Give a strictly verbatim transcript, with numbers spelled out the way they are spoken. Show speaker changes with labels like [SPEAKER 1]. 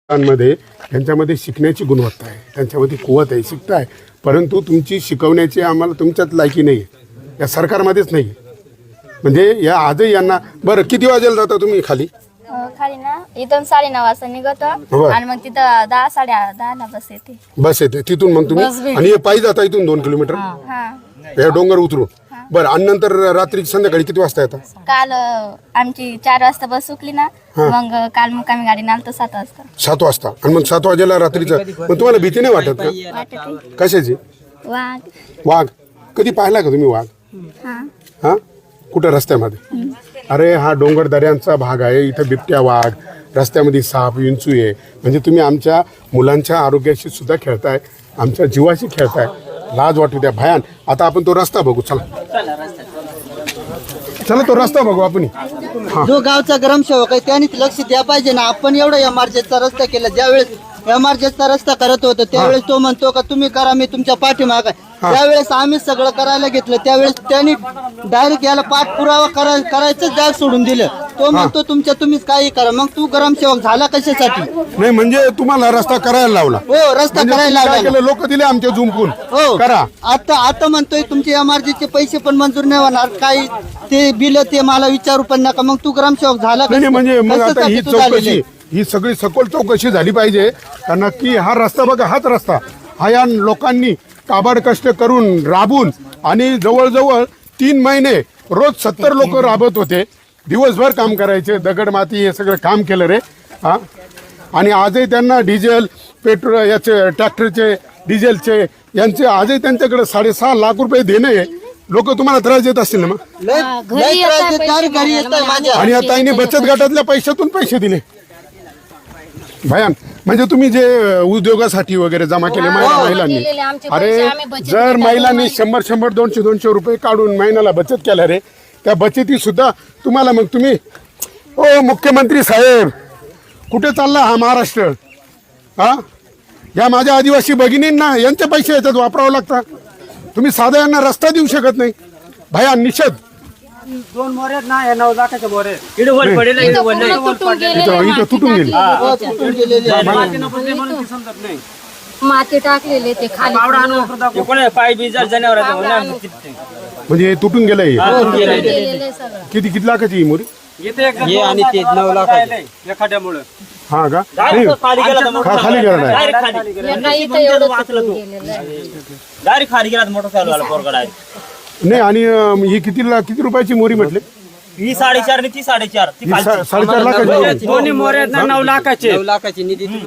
[SPEAKER 1] मध्ये त्यांच्यामध्ये शिकण्याची गुणवत्ता आहे, त्यांच्यामध्ये कुवत आहे, शिकताय, परंतु तुमची शिकवण्याची आम्हाला तुमच्यात लायकी नाही आहे, या सरकारमध्येच नाही. म्हणजे या आजही यांना बरं किती वाजेला जाता तुम्ही खाली?
[SPEAKER 2] अं, खाली ना इथून साडे नऊ वाजता निघतो
[SPEAKER 1] बरं.
[SPEAKER 2] आणि मग तिथं दहा साडे दहा ला बस येते.
[SPEAKER 1] बस येते तिथून, मग तुम्ही आणि हे पायी जाता इथून दोन किलोमीटर
[SPEAKER 2] हा
[SPEAKER 1] या डोंगर उतरू. बरं, आणि नंतर रात्री संध्याकाळी किती वाजता येतात?
[SPEAKER 2] काल अं, आमची चार वाजता बस सुटली ना, मग काल मुक्कामी गाडी आलतो सात वाजता.
[SPEAKER 1] सात वाजता आणि मग सात वाजेला रात्रीचं. मग तुम्हाला भीती नाही वाटत का?
[SPEAKER 2] वाटते
[SPEAKER 1] कशाची?
[SPEAKER 2] वाघ.
[SPEAKER 1] वाघ कधी पाहिला का तुम्ही वाघ?
[SPEAKER 2] हा
[SPEAKER 1] हा कुठं? रस्त्यामध्ये? अरे हा डोंगर दऱ्यांचा भाग आहे, इथं बिबट्या, वाघ, रस्त्यामध्ये साप, विंचू आहे. म्हणजे तुम्ही आमच्या मुलांच्या आरोग्याशी सुद्धा खेळताय, आमच्या जीवाशी खेळताय. लाज वाटू द्या भयान. आता आपण तो रस्ता बघू, चला चला तो रस्ता बघू आपण.
[SPEAKER 3] जो गावचा ग्रामसेवक आहे त्याने लक्ष द्या पाहिजे ना. आपण एवढा एमआरजेचा रस्ता केला, ज्यावेळेस एमआरजेचा रस्ता करत होतो त्यावेळेस तो म्हणतो का तुम्ही करा, मी तुमच्या पाठीमाग आहे. त्यावेळेस आम्ही सगळं करायला घेतलं, त्यावेळेस त्यांनी डायरेक्ट याला पाठपुरावा करा करायचं जाग सोडून दिलं. तो म्हणतो तुमच्या तुम्हीच काही करा. मग तू ग्रामसेवक झाला कशासाठी?
[SPEAKER 1] नाही म्हणजे तुम्हाला रस्ता करायला लावला.
[SPEAKER 3] हो, रस्ता करायला लावला.
[SPEAKER 1] लोक दिले आमच्या झुंपून
[SPEAKER 3] हो
[SPEAKER 1] करा.
[SPEAKER 3] आता आता म्हणतोय तुमचे एमआरजेचे पैसे पण मंजूर नाही होणार, काही ते बिल ते मला विचारू पण नका. मग तू ग्रामसेवक झाला
[SPEAKER 1] नाही नाही, म्हणजे मग आता
[SPEAKER 3] कशासाठी
[SPEAKER 1] ही
[SPEAKER 3] तू झालेली?
[SPEAKER 1] चौकशी, ही सगळी सखोल चौकशी झाली पाहिजे. कारण नक्की हा रस्ता बघा, हाच रस्ता हा या लोकांनी काबाड कष्ट करून राबून आणि जवळजवळ तीन महिने रोज सत्तर लोक राबत होते, दिवसभर काम करायचे, दगड माती हे सगळं काम केलं रे. हा, आणि आजही त्यांना डिझेल, पेट्रोल, याचे ट्रॅक्टरचे डिझेलचे यांचे आजही त्यांच्याकडे साडेसहा लाख रुपये देणे. लोक तुम्हाला त्रास देत असतील ना? मग
[SPEAKER 3] लय लय त्रास देतात, घरी येतात माझ्या.
[SPEAKER 1] आणि आता ताईने बचत गटातल्या पैशातून पैसे दिले भयान. म्हणजे तुम्ही जे उद्योगासाठी वगैरे जमा केले महिला महिलांनी, अरे जर महिलांनी शंभर शंभर दोनशे दोनशे रुपये काढून महिन्याला बचत केल्या रे, त्या बचती सुद्धा तुम्हाला, मग तुम्ही ओ मुख्यमंत्री साहेब कुठे चालला हा महाराष्ट्र? हा, या माझ्या आदिवासी भगिनींना यांचे पैसे याच्यात वापरावं लागतात. तुम्ही साधा यांना रस्ता देऊ शकत नाही. भयान निषेध.
[SPEAKER 4] दोन मोरे ना या नऊ लाखाच्या मोरे इकडे वर पडेल, इकडे वर नाही.
[SPEAKER 1] इथं इथं तुटून गेली.
[SPEAKER 3] हो, तुटून गेलेली आहे.
[SPEAKER 4] मातीनं पडले म्हणून ते समजत नाही.
[SPEAKER 5] माती टाकलेले ते खाली
[SPEAKER 4] पावडा आणून वापरत दाखव. कोण आहे? पाय बी जर जनावर आहे ते म्हणून तिथे.
[SPEAKER 1] म्हणजे हे तुटून गेलंय.
[SPEAKER 5] गेलेले सगळं.
[SPEAKER 1] किती किती लाखाची ही मोरी?
[SPEAKER 4] येते एक आणि ते नऊ लाख एखाद्यामुळे
[SPEAKER 1] हा का? नाही,
[SPEAKER 4] खाली गेला तर
[SPEAKER 1] खा- खाली गेला नाही.
[SPEAKER 4] डायरेक्ट खाली
[SPEAKER 5] एका इथं एवढं तुटून गेलेलं आहे.
[SPEAKER 4] डायरेक्ट खाली गेला मोटरसायकल वाला पोरगा डायरेक्ट.
[SPEAKER 1] नाही, आणि अं, ही किती ला- किती रुपयाची मोरी म्हटले?
[SPEAKER 4] ही साडेचार आणि ती साडेचार ती
[SPEAKER 1] ही सा- साडेचार लाखाची मोरी.
[SPEAKER 4] दोन्ही मोरे आहेत ना नऊ लाखाचे.
[SPEAKER 3] नऊ लाखाची निधी